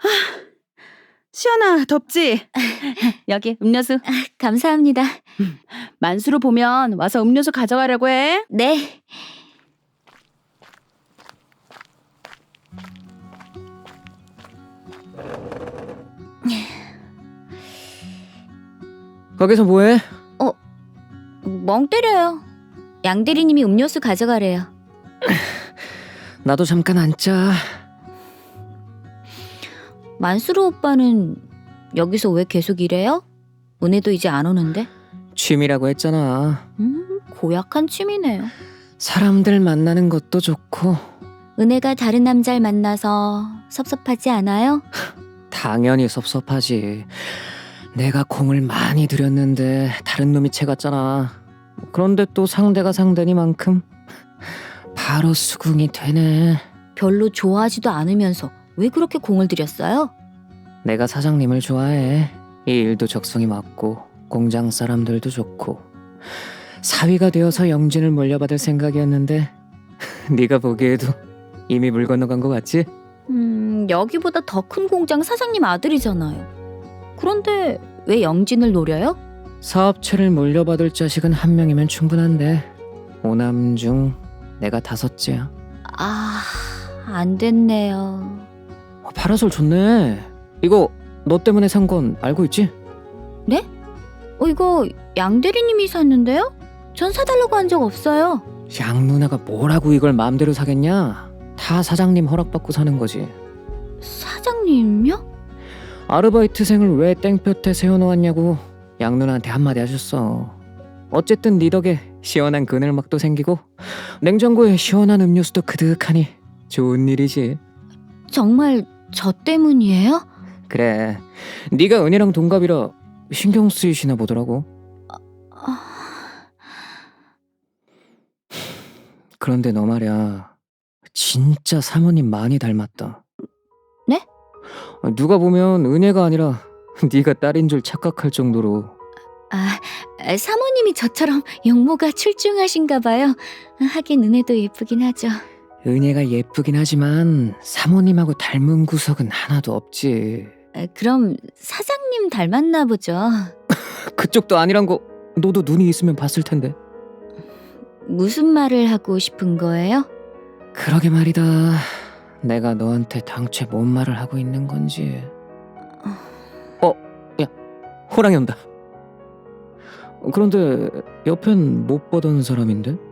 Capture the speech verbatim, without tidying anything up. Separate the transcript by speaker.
Speaker 1: 시연아, 덥지? 여기 음료수.
Speaker 2: 감사합니다.
Speaker 1: 만수로 보면 와서 음료수 가져가려고 해.
Speaker 2: 네.
Speaker 3: 거기서 뭐해?
Speaker 2: 멍 때려요. 양 대리님이 음료수 가져가래요.
Speaker 3: 나도 잠깐 앉자.
Speaker 2: 만수르 오빠는 여기서 왜 계속 일해요? 은혜도 이제 안 오는데?
Speaker 3: 취미라고 했잖아.
Speaker 2: 음, 고약한 취미네요.
Speaker 3: 사람들 만나는 것도 좋고.
Speaker 2: 은혜가 다른 남자를 만나서 섭섭하지 않아요?
Speaker 3: 당연히 섭섭하지. 내가 공을 많이 들였는데 다른 놈이 채갔잖아. 그런데 또 상대가 상대니만큼 바로 수긍이 되네.
Speaker 2: 별로 좋아하지도 않으면서 왜 그렇게 공을 들였어요?
Speaker 3: 내가 사장님을 좋아해. 이 일도 적성이 맞고 공장 사람들도 좋고 사위가 되어서 영진을 물려받을 생각이었는데 네가 보기에도 이미 물 건너간 것 같지?
Speaker 2: 음, 여기보다 더 큰 공장 사장님 아들이잖아요. 그런데 왜 영진을 노려요?
Speaker 3: 사업체를 물려받을 자식은 한 명이면 충분한데 오남 중 내가 다섯째야.
Speaker 2: 아, 안 됐네요.
Speaker 3: 어, 파라솔 좋네. 이거 너 때문에 산 건 알고 있지?
Speaker 2: 어, 이거 양 대리님이 샀는데요? 전 사달라고 한 적 없어요.
Speaker 3: 양 누나가 뭐라고 이걸 마음대로 사겠냐? 다 사장님 허락받고 사는 거지.
Speaker 2: 사장님요?
Speaker 3: 아르바이트생을 왜 땡볕에 세워놓았냐고 양 누나한테 한마디 하셨어. 어쨌든 네 덕에 시원한 그늘막도 생기고 냉장고에 시원한 음료수도 그득하니 좋은 일이지.
Speaker 2: 정말 저 때문이에요?
Speaker 3: 그래, 네가 은혜랑 동갑이라 신경 쓰이시나 보더라고.
Speaker 2: 아,
Speaker 3: 그런데 너 말이야, 진짜 사모님 많이 닮았다.
Speaker 2: 네?
Speaker 3: 누가 보면 은혜가 아니라 네가 딸인 줄 착각할 정도로.
Speaker 2: 아, 사모님이 저처럼 용모가 출중하신가 봐요. 하긴 은혜도 예쁘긴 하죠.
Speaker 3: 은혜가 예쁘긴 하지만 사모님하고 닮은 구석은 하나도 없지.
Speaker 2: 아, 그럼 사장님 닮았나 보죠.
Speaker 3: 그쪽도 아니란 거 너도 눈이 있으면 봤을 텐데.
Speaker 2: 무슨 말을 하고 싶은 거예요?
Speaker 3: 그러게 말이다. 내가 너한테 당최 뭔 말을 하고 있는 건지. 어, 야, 호랑이 온다. 그런데 옆엔 못 보던 사람인데?